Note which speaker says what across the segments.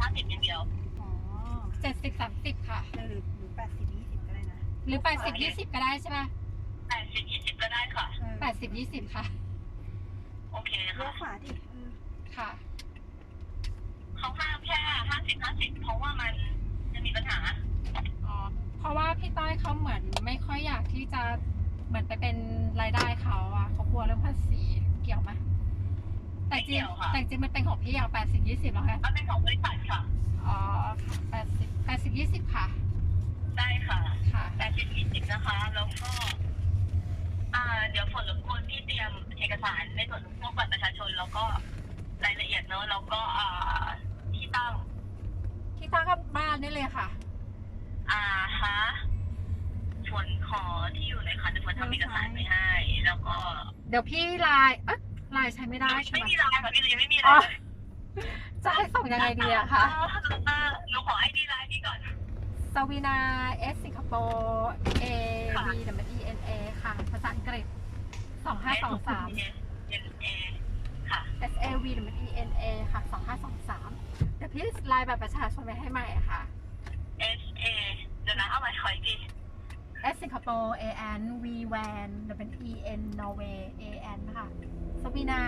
Speaker 1: 50อย่างเดียว
Speaker 2: อ๋อ
Speaker 3: 70-30ค่ะ
Speaker 2: หรือ80-20ก็ได้นะ
Speaker 3: หรือ80-20ก็ได้ใช่ไหม
Speaker 1: 80-20ก็ได้ค่ะ
Speaker 3: 80-20ค่ะ
Speaker 1: โอเค
Speaker 2: เลี้ยว
Speaker 1: ค่ะ
Speaker 2: ขวาดิ
Speaker 3: ค่ะ
Speaker 1: เขาห้ามแค่50-50เพราะว่ามันจะมีปัญหา
Speaker 3: อ๋อเพราะว่าพี่ต้อยเขาเหมือนไม่ค่อยอยากที่จะเหมือนไปเป็นรายได้เขาอะเขากลัวเรื่องภาษีเกี่ยวไหมแต่จริงมันเป็นของพี่อะ80-20แล้วไง
Speaker 1: มันเป็นของบริษัทค่ะ
Speaker 3: อ๋อ80-20ค่ะ
Speaker 1: ได้ค่ะ
Speaker 3: ค่ะ
Speaker 1: 80-20นะคะแล้วก็เดี๋ยวฝนรบกวนพี่เตรียมเอกสารในส่วนของพวกบัตรประชาชนแล้วก็รายละเอียดเนอะแล้วก็ที่ตั้ง
Speaker 3: กับบ้านนี่เลยค่ะ
Speaker 1: ฮะฝนขอที่อยู่หน่อยค่ะจะฝนทำเอกสารไปให้แล้วก็
Speaker 3: เดี๋ยวพี่ไลน์ไลน์ใช้ไม่ได้ใช่ไหม
Speaker 1: ไม่มีไลน์ค่ะพี่ยังไม่มีไลน์
Speaker 3: จะให้ส่งยังไงดีอะคะ
Speaker 1: หนูขอไอดีไลน์พี่ก่อน
Speaker 3: สวีนา S สิงคโปร์ A V W E N A ค่ะภาษาอังกฤษ2523
Speaker 1: ค่ะ
Speaker 3: S A V W E N A ค่ะ2523เดี๋ยวพี่ไลน์แบบประชาชนไปให้ใหม่ค่ะ
Speaker 1: S A เดี๋ยวนะเอาไว้ขออีกที
Speaker 3: S สิงคโปร์ A N V Van W E N Norway A N ค่ะสวีนา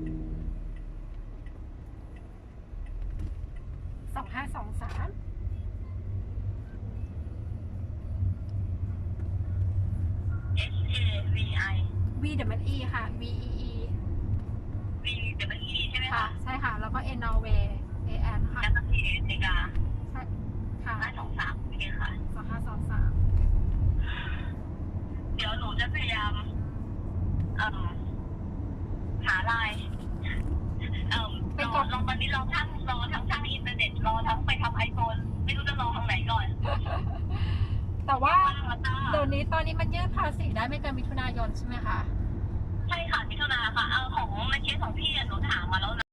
Speaker 3: 2523
Speaker 1: S A V I
Speaker 3: V W E ค่ะ V E E
Speaker 1: V W E ใช่ไหม
Speaker 3: ค่ะ
Speaker 1: คะ
Speaker 3: ใช่ค่ะแล้วก็ N Norway A N ค่ะ
Speaker 1: แล้วก็ P A เมกา
Speaker 3: ใช่ค่ะ
Speaker 1: 523โอเคค่ะ
Speaker 3: 2523
Speaker 1: เดี๋ยวหนูจะพยายามหาไลน์ลองตอนนี้รอทั้งช่างอินเทอร์เน็ตรอทั้งไปทำไอโฟนไม่รู้จะรอทางไหนก่อน
Speaker 3: แต่ว่าเดี๋ยวนี้ตอนนี้มันยื่นภาษีได้ไม่เกินมิถุนายนใช่ไหมคะ
Speaker 1: ใช่ค่ะมิถุนาค่ะของในเคสของพี่หนูถามมาแล้วนะ